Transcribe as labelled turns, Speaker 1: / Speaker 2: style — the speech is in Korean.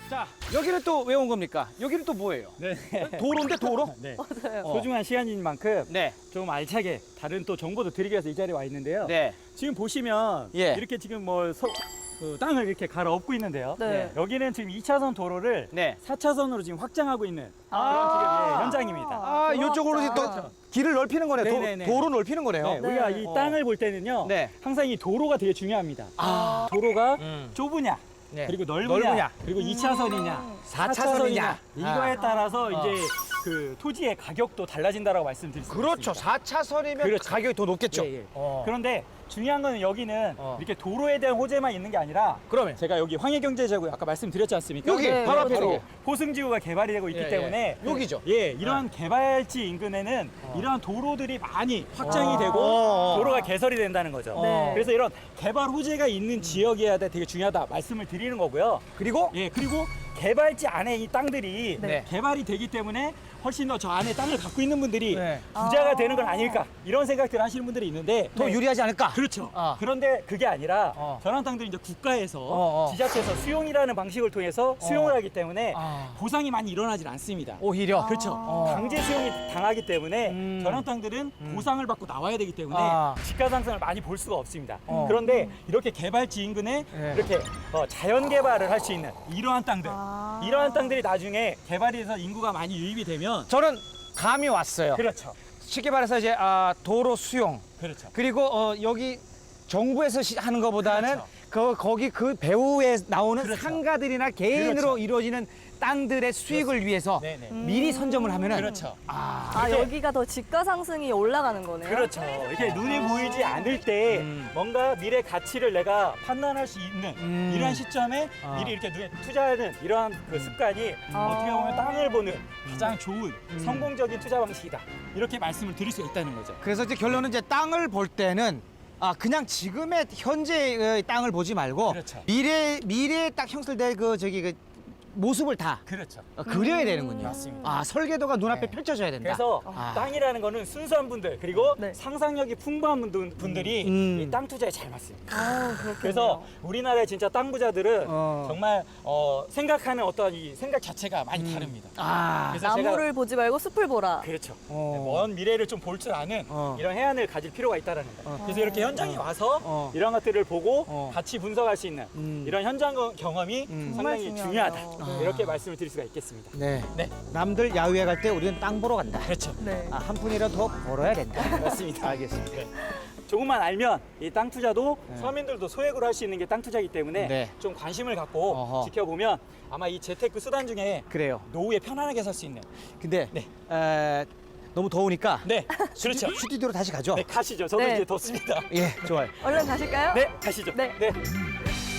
Speaker 1: 자, 여기는 또 왜 온 겁니까? 여기는 또 뭐예요?
Speaker 2: 네.
Speaker 1: 도로인데 도로?
Speaker 2: 네.
Speaker 3: 맞아요.
Speaker 2: 소중한 시간인 만큼
Speaker 1: 네.
Speaker 2: 좀 알차게 다른 또 정보도 드리기 위해서 이 자리에 와 있는데요.
Speaker 1: 네.
Speaker 2: 지금 보시면
Speaker 1: 예.
Speaker 2: 이렇게 지금 그 땅을 이렇게 갈아엎고 있는데요.
Speaker 3: 네.
Speaker 2: 여기는 지금 2차선 도로를
Speaker 1: 네.
Speaker 2: 4차선으로 지금 확장하고 있는
Speaker 1: 아.
Speaker 2: 그런 지금 예, 현장입니다.
Speaker 1: 아, 이쪽으로 이제 또
Speaker 3: 그렇죠.
Speaker 1: 길을 넓히는 거네요.
Speaker 2: 네네네.
Speaker 1: 도로 넓히는 거네요.
Speaker 2: 네, 우리가 이
Speaker 1: 어.
Speaker 2: 땅을 볼 때는요.
Speaker 1: 네.
Speaker 2: 항상 이 도로가 되게 중요합니다.
Speaker 1: 아.
Speaker 2: 도로가
Speaker 1: 음.
Speaker 2: 좁으냐,
Speaker 1: 네.
Speaker 2: 그리고 넓으냐,
Speaker 1: 넓으냐.
Speaker 2: 그리고 2차선이냐,
Speaker 1: 4차선이냐.
Speaker 2: 이거에 따라서
Speaker 1: 아.
Speaker 2: 이제 그 토지의 가격도 달라진다라고 말씀드릴 수
Speaker 1: 그렇죠.
Speaker 2: 있습니다.
Speaker 1: 4차선이면
Speaker 2: 그렇죠.
Speaker 1: 가격이 더 높겠죠.
Speaker 2: 예, 예.
Speaker 1: 어.
Speaker 2: 그런데 중요한 거는 여기는
Speaker 1: 어.
Speaker 2: 이렇게 도로에 대한 호재만 있는 게 아니라
Speaker 1: 그러면
Speaker 2: 제가 여기 황해경제지구 아까 말씀드렸지 않습니까?
Speaker 1: 여기
Speaker 3: 네,
Speaker 1: 바로 앞에
Speaker 3: 그렇죠.
Speaker 1: 여기.
Speaker 2: 호승지구가 개발이 되고 있기
Speaker 1: 예, 예.
Speaker 2: 때문에
Speaker 1: 여기죠.
Speaker 2: 예, 이러한 개발지 인근에는 이러한 도로들이 많이 확장이
Speaker 1: 어.
Speaker 2: 되고
Speaker 1: 어.
Speaker 2: 도로가 개설이 된다는 거죠.
Speaker 3: 네.
Speaker 2: 그래서 이런 개발 호재가 있는 지역이어야 되게 중요하다 말씀을 드리는 거고요.
Speaker 1: 그리고
Speaker 2: 예, 그리고 개발지 안에 이 땅들이
Speaker 1: 네.
Speaker 2: 개발이 되기 때문에 훨씬 더 저 안에 땅을 갖고 있는 분들이
Speaker 1: 네.
Speaker 2: 부자가
Speaker 3: 아.
Speaker 2: 되는 건 아닐까 이런 생각들을 하시는 분들이 있는데
Speaker 1: 더
Speaker 2: 네.
Speaker 1: 유리하지 않을까?
Speaker 2: 그렇죠.
Speaker 1: 아.
Speaker 2: 그런데 그게 아니라
Speaker 1: 어.
Speaker 2: 저런 땅들이 이제 국가에서
Speaker 1: 어.
Speaker 2: 지자체에서 수용이라는 방식을 통해서 수용을 하기 때문에
Speaker 1: 아.
Speaker 2: 보상이 많이 일어나질 않습니다.
Speaker 1: 오히려.
Speaker 2: 그렇죠.
Speaker 1: 어.
Speaker 2: 강제 수용이 당하기 때문에
Speaker 1: 음.
Speaker 2: 저런 땅들은 보상을 받고 나와야 되기 때문에
Speaker 1: 아.
Speaker 2: 집가 상승을 많이 볼 수가 없습니다.
Speaker 1: 어.
Speaker 2: 그런데 이렇게 개발지 인근에
Speaker 1: 네.
Speaker 2: 이렇게 자연 개발을 할 수 있는 이러한 땅들,
Speaker 3: 아.
Speaker 2: 이러한 땅들이 나중에 개발이 돼서 인구가 많이 유입이 되면
Speaker 1: 저는 감이 왔어요.
Speaker 2: 그렇죠.
Speaker 1: 쉽게 말해서 이제 도로 수용
Speaker 2: 그렇죠.
Speaker 1: 그리고 여기 정부에서 하는 것보다는
Speaker 2: 그렇죠.
Speaker 1: 거기 그 배후에 나오는
Speaker 2: 그렇죠.
Speaker 1: 상가들이나 개인으로
Speaker 2: 그렇죠.
Speaker 1: 이루어지는 땅들의 수익을 위해서
Speaker 2: 네네.
Speaker 1: 미리 선점을 하면은
Speaker 2: 그렇죠.
Speaker 3: 아,
Speaker 2: 이렇게-
Speaker 3: 여기가 더 집가 상승이 올라가는 거네요.
Speaker 2: 그렇죠. 이렇게 눈에 보이지 않을 때 뭔가 미래 가치를 내가 판단할 수 있는 이러한 시점에
Speaker 1: 아.
Speaker 2: 미리 이렇게 눈에 투자하는 이러한 그 습관이 어떻게 보면 땅을 보는 가장 좋은 성공적인 투자 방식이다. 이렇게 말씀을 드릴 수 있다는 거죠.
Speaker 1: 그래서 이제 결론은 이제 땅을 볼 때는 그냥 지금의 현재의 땅을 보지 말고
Speaker 2: 그렇죠.
Speaker 1: 미래에 딱 형성될 그 모습을 다
Speaker 2: 그렇죠.
Speaker 1: 그려야 되는군요.
Speaker 2: 맞습니다.
Speaker 1: 설계도가 눈앞에
Speaker 2: 네.
Speaker 1: 펼쳐져야 된다.
Speaker 2: 그래서
Speaker 1: 아.
Speaker 2: 땅이라는 거는 순수한 분들 그리고
Speaker 3: 네.
Speaker 2: 상상력이 풍부한 분들이 이 땅 투자에 잘 맞습니다.
Speaker 3: 아, 그렇군요.
Speaker 2: 그래서 우리나라의 진짜 땅 부자들은
Speaker 1: 어.
Speaker 2: 정말 생각하는 어떤 이 생각 자체가 많이 다릅니다. 그래서
Speaker 3: 나무를 보지 말고 숲을 보라.
Speaker 2: 그렇죠.
Speaker 1: 어.
Speaker 2: 먼 미래를 좀 볼 줄 아는 이런 해안을 가질 필요가 있다는 거. 그래서 이렇게 현장에 와서 이런 것들을 보고 같이 분석할 수 있는 이런 현장 경험이
Speaker 3: 정말
Speaker 2: 상당히
Speaker 3: 중요하죠.
Speaker 2: 중요하다. 이렇게 말씀을 드릴 수가 있겠습니다.
Speaker 1: 네.
Speaker 2: 네.
Speaker 1: 남들 야유회 갈 때 우리는 땅 보러 간다.
Speaker 2: 그렇죠.
Speaker 3: 네.
Speaker 1: 한 푼이라도 더 벌어야 된다.
Speaker 2: 맞습니다.
Speaker 1: 알겠습니다.
Speaker 2: 네. 조금만 알면 이 땅 투자도 서민들도 소액으로 할 수 있는 게 땅 투자이기 때문에
Speaker 1: 네.
Speaker 2: 좀 관심을 갖고
Speaker 1: 어허.
Speaker 2: 지켜보면 아마 이 재테크 수단 중에
Speaker 1: 그래요.
Speaker 2: 노후에 편안하게 살 수 있는.
Speaker 1: 근데
Speaker 2: 네.
Speaker 1: 너무 더우니까
Speaker 2: 네, 그렇죠.
Speaker 1: 스튜디오로 다시 가죠.
Speaker 2: 네, 가시죠. 저도
Speaker 3: 네.
Speaker 2: 이제 덥습니다.
Speaker 1: 예, 좋아요.
Speaker 3: 얼른 가실까요?
Speaker 2: 네, 가시죠.
Speaker 3: 네.
Speaker 2: 네.